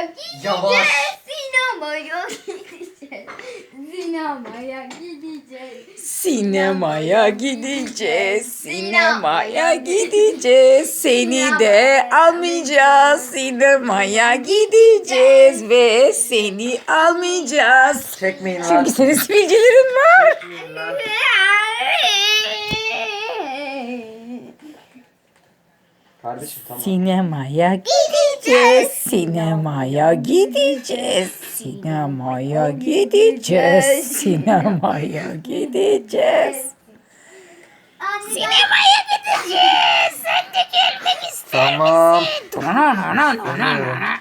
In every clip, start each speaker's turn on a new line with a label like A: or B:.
A: gideceğiz.
B: Yavaş.
A: Sinemaya gideceğiz. Sinemaya gideceğiz.
C: Sinemaya gideceğiz, sinemaya gideceğiz. Seni de almayacağız. Sinemaya gideceğiz ve seni almayacağız.
B: Çekmeyin lan.
C: Çünkü senin sivilcelerin var.
B: Çekmeyin lan. Kardeşim tamam.
C: Sinemaya gideceğiz, sinemaya gideceğiz, sinemaya gideceğiz, sinemaya gideceğiz. Sinemaya gideceğiz. Sen de gelmek ister
B: Tamam.
C: misin?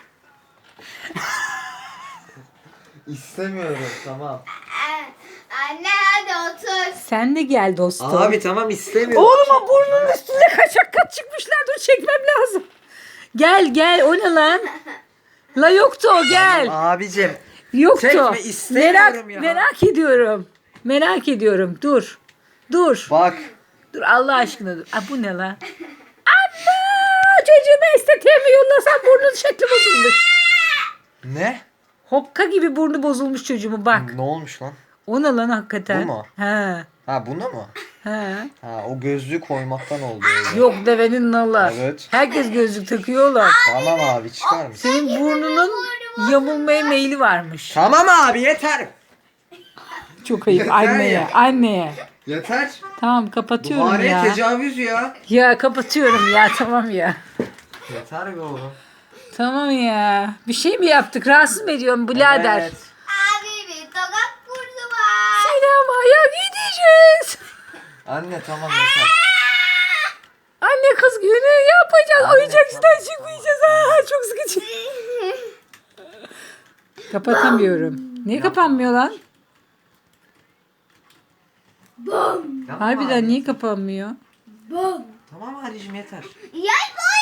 B: İstemiyorum tamam.
A: Anne hadi otur.
C: Sen de gel dostum.
B: Abi tamam istemiyorum.
C: Oğluma burnunun üstünde kaçak kat çıkmışlar. Dur çekmem lazım. Gel gel, o ne lan? La yoktu o, gel.
B: Abicim.
C: Yoktu.
B: Çekme, istemiyorum ya.
C: Merak ediyorum. Merak ediyorum. Dur. Dur.
B: Bak.
C: Dur Allah aşkına dur. Aa, bu ne lan? Anne! Çocuğumu estetiğe mi yollasam burnun şekli bozulmuş.
B: Ne?
C: Hokka gibi burnu bozulmuş çocuğumu bak.
B: Ne olmuş lan?
C: O ne lan hakikaten?
B: Bu mu?
C: He.
B: Ha buna mı?
C: He.
B: Ha o gözlüğü koymaktan oldu öyle.
C: Yok devenin nalı.
B: Evet.
C: Herkes gözlük takıyorlar.
B: Tamam abi çıkar mısın?
C: Senin burnunun yamulmaya meyli varmış.
B: Tamam abi yeter.
C: Çok ayıp
B: Yeter
C: anneye.
B: ya.
C: Anneye.
B: Yeter.
C: Tamam kapatıyorum
B: Buhariye
C: ya.
B: tecavüz ya.
C: Ya kapatıyorum ya, tamam ya.
B: Yeter be oğlum.
C: Tamam ya. Bir şey mi yaptık? Rahatsız mı ediyorum birader?
B: Evet.
A: Abi bir tokat kurdu var.
C: Sinemaya gideceğiz.
B: Anne tamam yeter.
C: Anne kız günü yapacağız.
B: Anne,
C: Oyuncakçıdan
B: tamam,
C: çıkmayacağız. Aa, çok sıkıcı. Kapatamıyorum. Niye kapanmıyor lan?
B: Tamam
C: Harbiden
B: abi.
C: niye kapanmıyor?
B: Tamam abicim yeter.
A: Yay boy